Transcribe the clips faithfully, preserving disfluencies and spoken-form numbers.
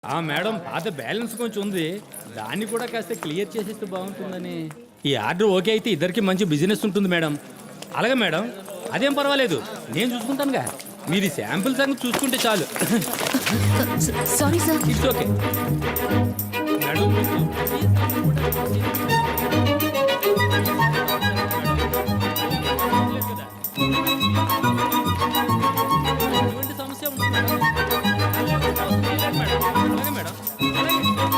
ఆ మేడం పాత బ్యాలెన్స్ కొంచెం ఉంది, దాన్ని కూడా కాస్త క్లియర్ చేసేస్తే బాగుంటుందని. ఈ ఆర్డర్ ఓకే అయితే ఇద్దరికి మంచి బిజినెస్ ఉంటుంది మేడం. అలాగే మేడం, అదేం పర్వాలేదు, నేను చూసుకుంటానుగా. మీరు శాంపుల్ సంగతి చూసుకుంటే చాలు. Sorry sir. It's okay madam. ఎటువంటి సమస్య ఉంటుంది మేడం? అలాగే మేడం, అలాగే.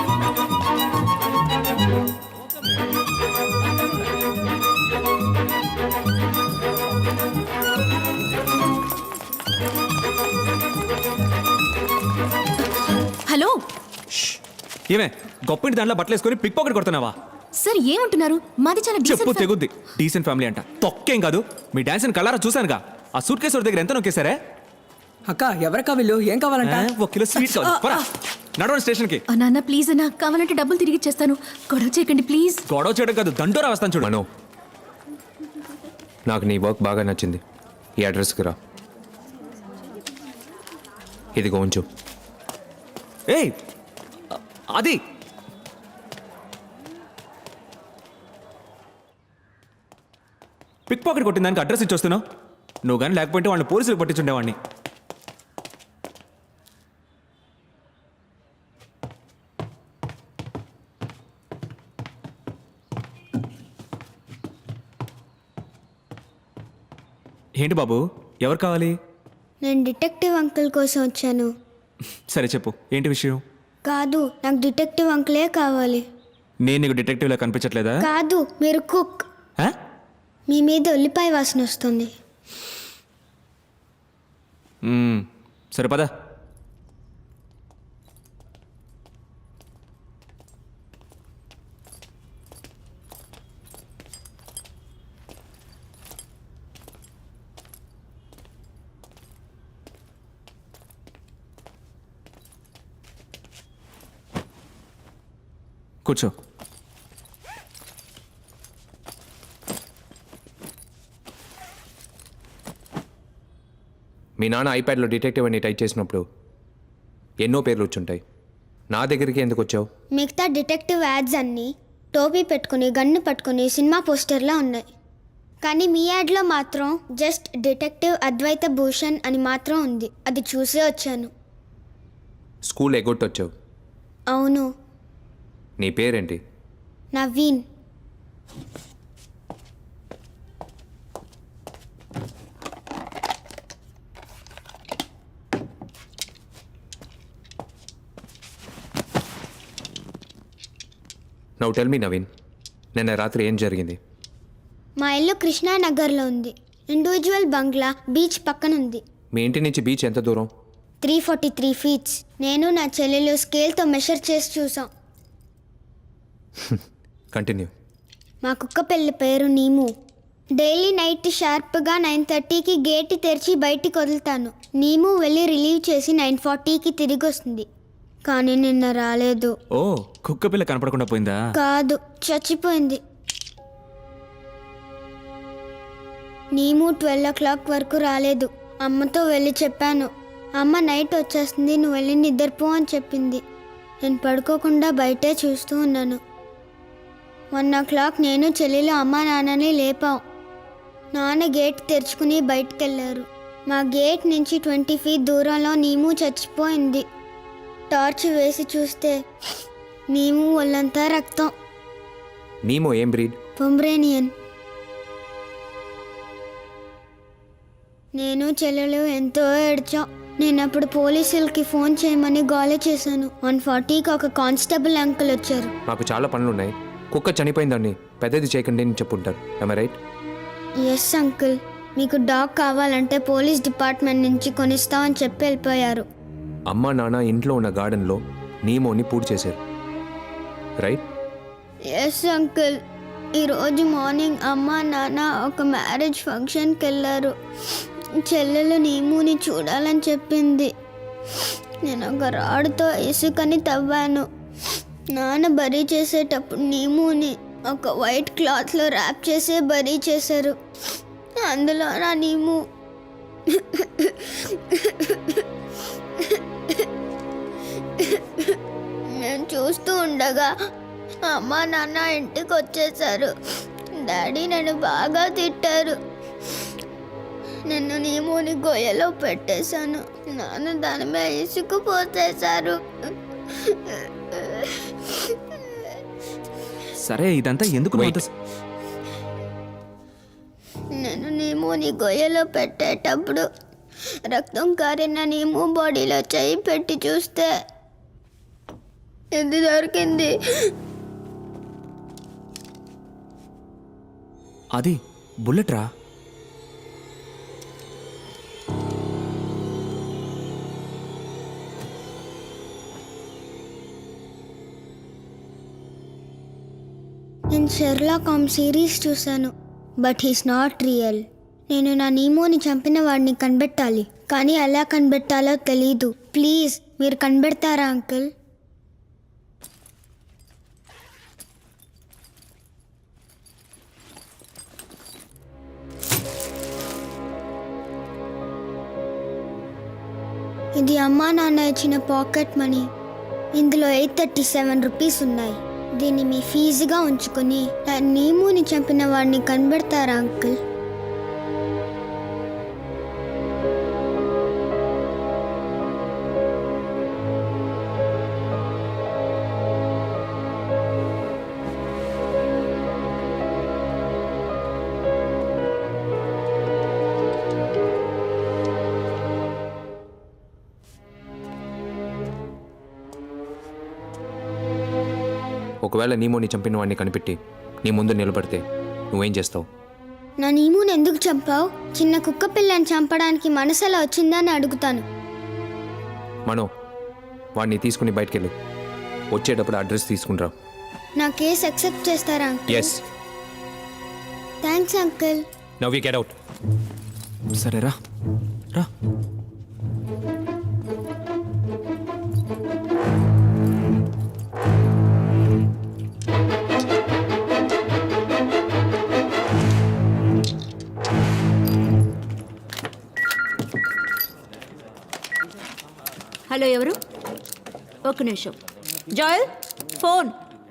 హలో ఏమే గొప్పింటి దాంట్లో బట్టలు వేసుకొని పిక్ పాకెట్ కొడుతున్నావా? సార్ ఏమంటున్నారు? మాది చాలా చెప్పు డీసెంట్ ఫ్యా- తెగుద్ది. డీసెంట్ ఫ్యామిలీ అంట, తొక్కేం కాదు. మీ డాన్స్ కలరా చూశానుగా. ఆ సూట్ కేసు దగ్గర ఎంత నొక్కేశారే? అక్క ఎవరకా వీళ్ళు? ఏం కావాలంట? ఆ, ఒక కిలో స్వీట్ కావాలి. పోరా, నడవండి స్టేషన్కి. ఆ, నాన్న ప్లీజ్ అన్న, కావాలంటే డబ్బులు తిరిగి ఇచ్చేస్తాను. గొడవ చేయకండి ప్లీజ్. గొడవ చేయడం కాదు, దండోరా వస్తాను చూడు. మనో, నాకు నీ వర్క్ బాగా నచ్చింది. ఈ అడ్రస్కి రా. ఇదిగో ఉంచు. ఏయ్ అది పిక్ పాకెట్ కొట్టిన దానికి అడ్రస్ ఇచ్చి వస్తున్నావు. నువ్వు కానీ లేకపోతే వాళ్ళని పోలీసులకు పట్టించుండేవాడిని. ఏంటి బాబు, ఎవరు కావాలి? నేను డిటెక్టివ్ అంకుల్ కోసం వచ్చాను. సరే చెప్పు, ఏంటి విషయం? కాదు, నాకు డిటెక్టివ్ అంకులే కావాలి. నేను నీకు డిటెక్టివ్లా కనిపించట్లేదా? కాదు, మీరు కుక్. ఆ? మీ మీద ఉల్లిపాయ వాసన వస్తుంది. మ్మ్. సరే పద. కూర్చో. మీ నాన్న ఐప్యాడ్లో డిటెక్టివ్ అని టైప్ చేసినప్పుడు ఎన్నో పేర్లు వచ్చుంటాయి. నా దగ్గరికి ఎందుకు వచ్చావు? మిగతా డిటెక్టివ్ యాడ్స్ అన్నీ టోపీ పెట్టుకుని గన్ను పట్టుకుని సినిమా పోస్టర్లా ఉన్నాయి. కానీ మీ యాడ్లో మాత్రం జస్ట్ డిటెక్టివ్ అద్వైత భూషణ్ అని మాత్రం ఉంది. అది చూసే వచ్చాను. స్కూల్ ఎగ్గొట్టొచ్చావు. అవును. నీ పేరేంటి? Naveen. Now tell me Naveen, నిన్న రాత్రి ఏం జరిగింది? మా ఇల్లు కృష్ణానగర్లో ఉంది. ఇండివిజువల్ బంగ్లా బీచ్ పక్కన ఉంది. మీ ఇంటి నుంచి బీచ్ ఎంత దూరం? Three forty three feets. నేను నా చెల్లెలు స్కేల్తో మెషర్ చేసి చూసాం. కంటిన్యూ. మా కుక్క పిల్ల పేరు నీము. డైలీ నైట్ షార్ప్గా నైన్ థర్టీకి గేట్ తెరిచి బయటికి వదులుతాను. నీము వెళ్ళి రిలీవ్ చేసి నైన్ ఫార్టీకి తిరిగి వస్తుంది. కానీ నిన్న రాలేదు. ఓ, కుక్క పిల్ల కనపడకుండా పోయిందా? కాదు, చచ్చిపోయింది. నీము ట్వెల్వ్ ఓ క్లాక్ వరకు రాలేదు. అమ్మతో వెళ్ళి చెప్పాను. అమ్మ నైట్ వచ్చేస్తుంది, నువ్వు వెళ్ళి నిద్రపో అని చెప్పింది. నేను పడుకోకుండా బయటే చూస్తూ ఉన్నాను. వన్ ఓ క్లాక్ నేను చెల్లెలు అమ్మ నాన్నని లేపాం. నాన్న గేట్ తెరుచుకుని బయటికి వెళ్ళారు. మా గేట్ నుంచి ట్వంటీ ఫీట్ దూరంలో నీము చచ్చిపోయింది. టార్చ్ వేసి చూస్తే నీము ఒళ్ళంతా రక్తం. నీమో ఏం బ్రీడ్? పొమ్రేనియన్. నేను చెల్లెలు ఎంతో ఏడ్చాం. నేను అప్పుడు పోలీసులకి ఫోన్ చేయమని గోల చేశాను. వన్ ఫార్టీకి ఒక కానిస్టేబుల్ అంకుల్ వచ్చారు. నాకు చాలా పనులున్నాయి, కుక్క చనిపోయిందని పెద్దది చేయకండి అని చెప్పుంటారు. I right? ఎస్ అంకుల్, మీకు డాగ్ కావాలంటే పోలీస్ డిపార్ట్మెంట్ నుంచి కొనిస్తామని చెప్పి వెళ్ళిపోయారు. అమ్మ నాన్న ఇంట్లో ఉన్న గార్డెన్లో నీమోని పూడి చేశారు, రైట్? ఎస్ అంకుల్, ఈరోజు మార్నింగ్ అమ్మ నాన్న ఒక మ్యారేజ్ ఫంక్షన్కి వెళ్ళారు. చెల్లెలు నీముని చూడాలని చెప్పింది. నేను ఒక రాడుతో ఇసుకని తవ్వాను. నాన్న బరీ చేసేటప్పుడు నీముని ఒక వైట్ క్లాత్లో ర్యాప్ చేసే బరీ చేశారు. అందులో నా నీము నేను చూస్తూ ఉండగా అమ్మ నాన్న ఇంటికి వచ్చేసారు. డాడీ నన్ను బాగా తిట్టారు. నన్ను నీమోని గొయ్యలో పెట్టేశాను. నాన్న దాని మీద ఇసుకు పోసేశారు. సరే ఇదంతా ఎందుకు నువ్వు అంత- నేను నీమోని గొయ్యలో పెట్టేటప్పుడు రక్తం కారిన నీము బాడీలో చేయి పెట్టి చూస్తే ఇది దొరికింది. అది బుల్లెట్ రా. నేను షెర్లాక్ హోమ్స్ సిరీస్ చూశాను, బట్ హీస్ నాట్ రియల్. నేను నా నీమోని చంపిన వాడిని కనిపెట్టాలి, కానీ ఎలా కనిపెట్టాలో తెలీదు. ప్లీజ్ మీరు కనిపెడతారా అంకుల్? ఇది అమ్మా నాన్న ఇచ్చిన పాకెట్ మనీ. ఇందులో ఎయిట్ థర్టీ సెవెన్ రూపీస్ ఉన్నాయి. దీన్ని మీ ఫీజుగా ఉంచుకొని నా నీముని చంపిన వాడిని కనబెడతారా అంకుల్? ఒకవేళ నీమోని చంపిన వాడిని కనిపెట్టి నీ ముందు నిలబడితే నువ్వేం చేస్తావు? నా నీముని ఎందుకు చంపావు? చిన్న కుక్క పిల్లని చంపడానికి మనసు ఎలా వచ్చిందని అడుగుతాను. మనో, వాడిని తీసుకుని బయటకెళ్ళు. వచ్చేటప్పుడు అడ్రస్ తీసుకుంటా. నా కేసు అక్సెప్ట్ చేస్తారా uncle? Yes. Thanks uncle. Now you get out. సరే రా రా. హలో, ఎవరు? ఒక నిమిషం. జాయల్, ఫోన్.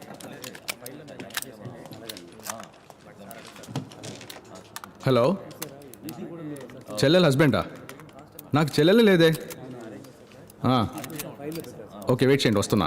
హలో, చెల్లెల హస్బెండా? నాకు చెల్లెలు లేదే. ఆ, ఓకే, వెయిట్ చేయండి, వస్తున్నా.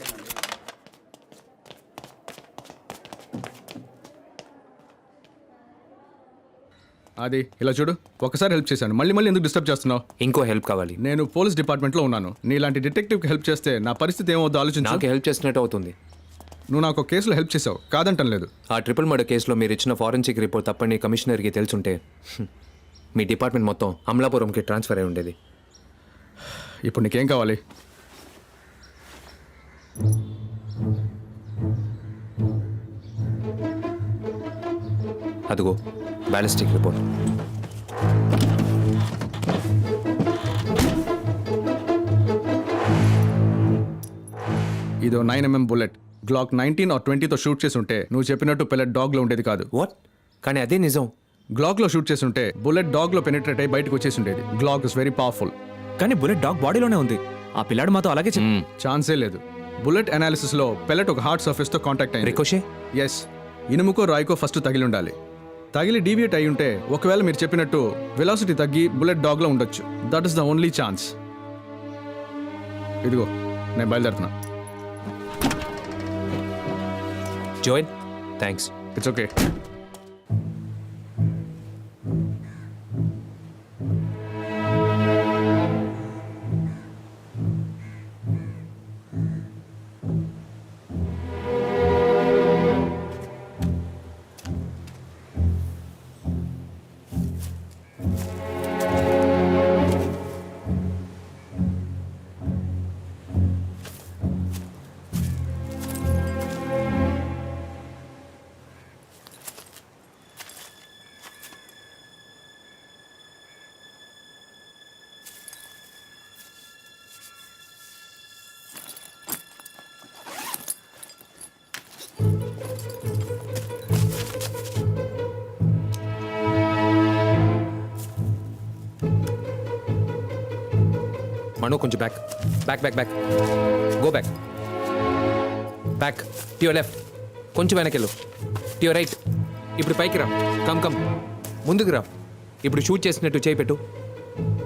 అది ఇలా చూడు, ఒకసారి హెల్ప్ చేశాను, మళ్ళీ మళ్ళీ ఎందుకు డిస్టర్బ్ చేస్తున్నావు? ఇంకో హెల్ప్ కావాలి. నేను పోలీస్ డిపార్ట్మెంట్లో ఉన్నాను. నీలాంటి డిటెక్టివ్కి హెల్ప్ చేస్తే నా పరిస్థితి ఏమవుతుందో ఆలోచించు. నాకు హెల్ప్ చేసినట్టు అవుతుంది. నువ్వు నాకు ఒక కేసులో హెల్ప్ చేసావు, కాదంటం లేదు. ఆ ట్రిపుల్ మర్డర్ కేసులో మీరు ఇచ్చిన ఫారెన్సిక్ రిపోర్ట్ తప్పని కమిషనర్కి తెలుసుంటే హ్మ్, మీ డిపార్ట్మెంట్ మొత్తం అమలాపురంకి ట్రాన్స్ఫర్ అయి ఉండేది. ఇప్పుడు నీకేం కావాలి? అదిగో బ్యాలిస్టిక్ రిపోర్ట్. ఇదో nine mm bullet. Glock nineteen or ట్వంటీతో షూట్ చేసి ఉంటే నువ్వు చెప్పినట్టు పెల్లెట్ డాగ్లో ఉండేది కాదు. వాట్? కానీ అదే నిజం. గ్లాక్లో షూట్ చేసి ఉంటే బుల్లెట్ డాగ్లో పెనిట్రేట్ అయ్యి బయటకు వచ్చేసి ఉండేది. Glock is very powerful. కానీ బుల్లెట్ డాగ్ బాడీలోనే ఉంది. ఆ పిల్లాడు మాతో అలాగే చెప్ మ్మ్. ఛాన్సే లేదు. బుల్లెట్ అనాలిసిస్లో పెల్లెట్ ఒక హార్డ్ సర్ఫేస్తో కాంటాక్ట్ అయింది. రికోషే? ఎస్, ఇనుముకో రాయికో ఫస్ట్ తగిలి ఉండాలి. తగిలి డీవియేట్ అయి ఉంటే ఒకవేళ మీరు చెప్పినట్టు వెలాసిటీ తగ్గి బుల్లెట్ డాగ్లో ఉండొచ్చు. That is the only chance. ఇదిగో నేను బయలుదేరుతున్నా. Joel, thanks. It's okay. Mano కొంచెం back back back back go back back to your left కొంచెం వెనకెళ్ళు టు యువర్ రైట్ ఇప్పుడు పైకి రా కమ్ కమ్ ముందుకు రా ఇప్పుడు షూట్ చేసినట్టు చేయి పెట్టు